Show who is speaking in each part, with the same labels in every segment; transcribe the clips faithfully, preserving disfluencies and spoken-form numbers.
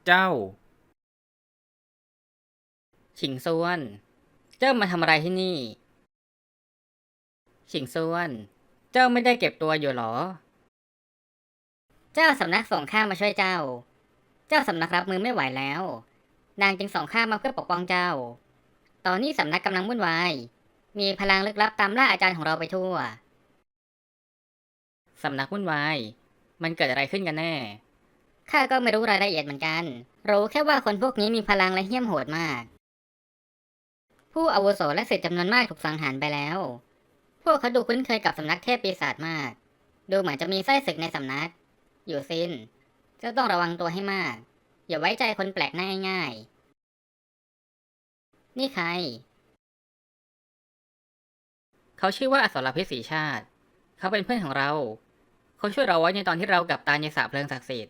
Speaker 1: เจ้า
Speaker 2: ฉิงซวนเจ้ามาทำอะไรที่นี่ฉิงซวนเจ้าไม่ได้เก็บตัวอยู่หรอเจ้าสำนักส่งข้ามาช่วยเจ้าเจ้าสำนักรับมือไม่ไหวแล้วนางจึงส่งข้ามาเพื่อปกป้องเจ้าตอนนี้สำนักกำลังวุ่นวายมีพลังลึกลับตามล่าอาจารย์ของเราไปทั่วสำนักวุ่นวายมันเกิดอะไรขึ้นกันแน่ข้าก็ไม่รู้รายละเอียดเหมือนกันรู้แค่ว่าคนพวกนี้มีพลังและเหี้ยมโหดมากผู้อาวุโสและศิษย์จำนวนมากถูกสังหารไปแล้วพวกเขาดูคุ้นเคยกับสำนักเทพปีศาจมากดูเหมือนจะมีไส้ศึกในสำนักอยู่ซินเจ้าต้องระวังตัวให้มากอย่าไว้ใจคนแปลกหน้าง่ายๆนี่ใครเขาชื่อว่าอสรพิษสีชาติเขาเป็นเพื่อนของเราเขาช่วยเราไว้ในตอนที่เรากับตายในสระเพลิงศักดิ์สิทธิ์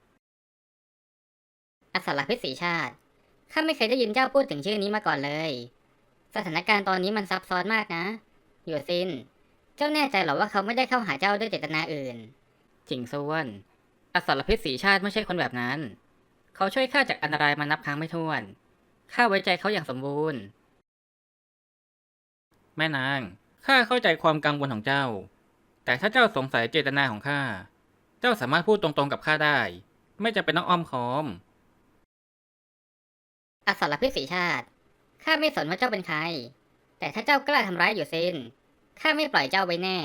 Speaker 2: อสรพิษสีชาติข้าไม่เคยได้ยินเจ้าพูดถึงชื่อนี้มาก่อนเลยสถานการณ์ตอนนี้มันซับซ้อนมากนะอยู่ซินเจ้าแน่ใจหรอว่าเขาไม่ได้เข้าหาเจ้าด้วยเจตนาอื่นจิงซวนอสรพิษสีชาติไม่ใช่คนแบบนั้นเขาช่วยข้าจากอันตรายมานับครั้งไม่ถ้วนข้าไว้ใจเขาอย่างสมบูรณ์
Speaker 1: แม่นางข้าเข้าใจความกังวลของเจ้าแต่ถ้าเจ้าสงสัยเจตนาของข้าเจ้าสามารถพูดตรงๆกับข้าได้ไม่จำเป็นต้องอ้อมค้อม
Speaker 2: อสรพิษสีชาติข้าไม่สนว่าเจ้าเป็นใครแต่ถ้าเจ้ากล้าทำร้ายอยู่ซินข้าไม่ปล่อยเจ้าไว้แน่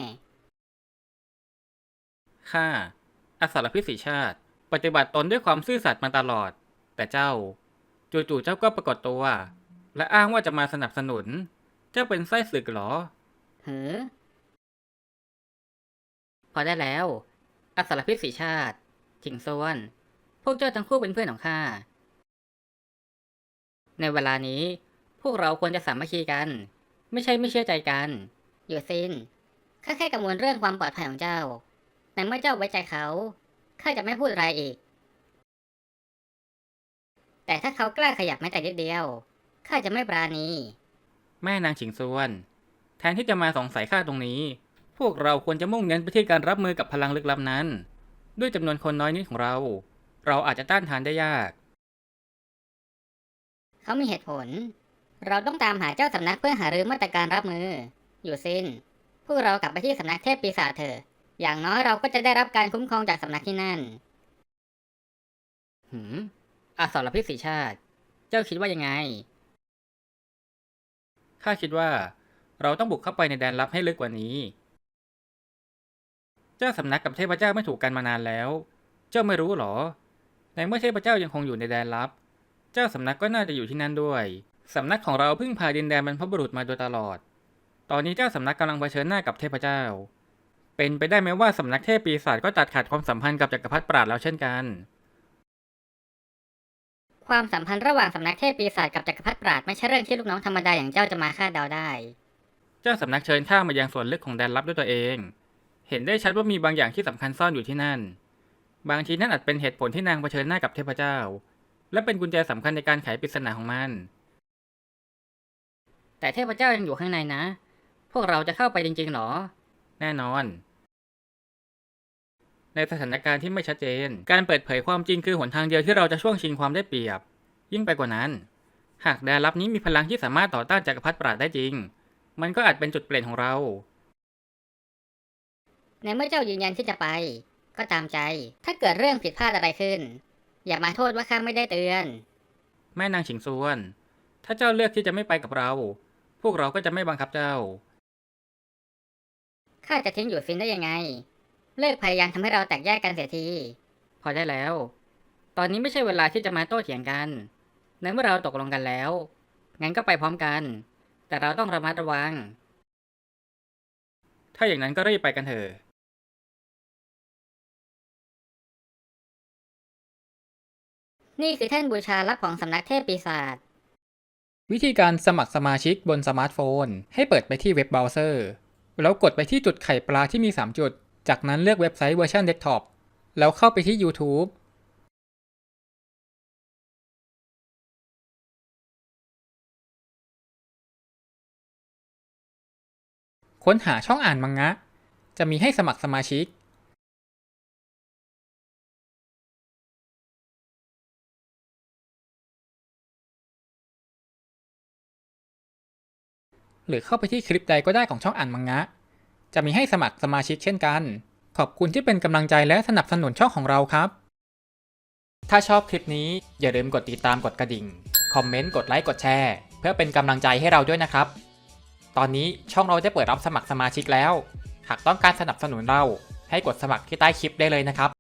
Speaker 1: ข้าอสรพิษสีชาติปฏิบัติตนด้วยความซื่อสัตย์มาตลอดแต่เจ้าจู่ๆเจ้าก็ปรากฏตัวและอ้างว่าจะมาสนับสนุนเจ้าเป็นไส้ศึกเหรอ
Speaker 2: เหือพอได้แล้วอสรพิษสีชาติจิงซวนพวกเจ้าทั้งคู่เป็นเพื่อนของข้าในเวลานี้พวกเราควรจะสามัคคีกันไม่ใช่ไม่เชื่อใจกันอยู่ซินข้าแค่กังวลเรื่องความปลอดภัยของเจ้าแต่เมื่อเจ้าไว้ใจเขาข้าจะไม่พูดอะไรอีกแต่ถ้าเขากล้าขยับแม้แต่นิดเดียวข้าจะไม่ปราณี
Speaker 1: แม่นางฉิงซวนแทนที่จะมาสงสัยข้าตรงนี้พวกเราควรจะมุ่งเน้นไปที่การรับมือกับพลังลึกลับนั้นด้วยจำนวนคนน้อยนิดของเราเราอาจจะต้านทานได้ยาก
Speaker 2: เขามีเหตุผลเราต้องตามหาเจ้าสำนักเพื่อหารือมาตรการรับมืออยู่ซินพวกเรากลับไปที่สำนักเทพปีศาจเถอะอย่างน้อยเราก็จะได้รับการคุ้มครองจากสำนักที่นั่นหืมอสรพิษสีชาติเจ้าคิดว่ายังไง
Speaker 1: ข้าคิดว่าเราต้องบุกเข้าไปในแดนลับให้ลึกกว่านี้เจ้าสำนักกับเทพเจ้าไม่ถูกกันมานานแล้วเจ้าไม่รู้หรอในเมื่อเทพเจ้ายังคงอยู่ในแดนลับเจ้าสำนักก็น่าจะอยู่ที่นั่นด้วยสำนักของเราเพิ่งพาดินแดนบรรพบุรุษมาโดยตลอดตอนนี้เจ้าสำนักกำลังเผชิญหน้ากับเทพเจ้าเป็นไปได้ไหมว่าสำนักเทพปีศาจก็ตัดขาดความสัมพันธ์กับจักรพรรดิปราดแล้วเช่นกัน
Speaker 2: ความสัมพันธ์ระหว่างสำนักเทพปีศาจกับจักรพรรดิปราดไม่ใช่เรื่องที่ลูกน้องธรรมดาอย่างเจ้าจะมาคาดเดาได้
Speaker 1: เจ้าสำนักเชิญข้ามายังส่วนลึกของแดนลับด้วยตัวเองเห็นได้ชัดว่ามีบางอย่างที่สำคัญซ่อนอยู่ที่นั่นบางทีนั่นอาจเป็นเหตุผลที่นางเผชิญหน้ากับเทพเจ้าและเป็นกุญแจสำคัญในการไขปริศนาของมัน
Speaker 2: แต่เทพเจ้ายังอยู่ข้างในนะพวกเราจะเข้าไปจริงๆหรอ
Speaker 1: แน่นอนในสถานการณ์ที่ไม่ชัดเจนการเปิดเผยความจริงคือหนทางเดียวที่เราจะช่วงชิงความได้เปรียบยิ่งไปกว่านั้นหากแดนลับนี้มีพลังที่สามารถต่อต้านจักรพรรดิปราดได้จริงมันก็อาจเป็นจุดเปลี่ยนของเรา
Speaker 2: ในเมื่อเจ้ายืนยันที่จะไปก็ตามใจถ้าเกิดเรื่องผิดพลาดอะไรขึ้นอย่ามาโทษว่าข้าไม่ได้เตือน
Speaker 1: แม่นางฉิงซวนถ้าเจ้าเลือกที่จะไม่ไปกับเราพวกเราก็จะไม่บังคับเจ้า
Speaker 2: ข้าจะทิ้งอยู่ซินได้ยังไงเลิกพยายามทำให้เราแตกแยกกันเสียทีพอได้แล้วตอนนี้ไม่ใช่เวลาที่จะมาโต้เถียงกันในเมื่อเราตกลงกันแล้วงั้นก็ไปพร้อมกันแต่เราต้องระมัดระวัง
Speaker 1: ถ้าอย่างนั้นก็รีบไปกันเถอะ
Speaker 2: นี่คือแท่นบูชาลับของสำนักเทพปีศาจ
Speaker 3: วิธีการสมัครสมาชิกบนสมาร์ทโฟนให้เปิดไปที่เว็บเบราว์เซอร์แล้วกดไปที่จุดไข่ปลาที่มีสามจุดจากนั้นเลือกเว็บไซต์เวอร์ชันเดสก์ท็อปแล้วเข้าไปที่ YouTube ค้นหาช่องอ่านมังงะจะมีให้สมัครสมาชิกหรือเข้าไปที่คลิปใดก็ได้ของช่องอ่านมังงะ จะมีให้สมัครสมาชิกเช่นกัน ขอบคุณที่เป็นกำลังใจและสนับสนุนช่องของเราครับ ถ้าชอบคลิปนี้อย่าลืมกดติดตามกดกระดิ่ง คอมเมนต์ กดไลค์ กดแชร์ เพื่อเป็นกำลังใจให้เราด้วยนะครับ ตอนนี้ช่องเราได้เปิดรับสมัครสมาชิกแล้ว หากต้องการสนับสนุนเราให้กดสมัครที่ใต้คลิปได้เลยนะครับ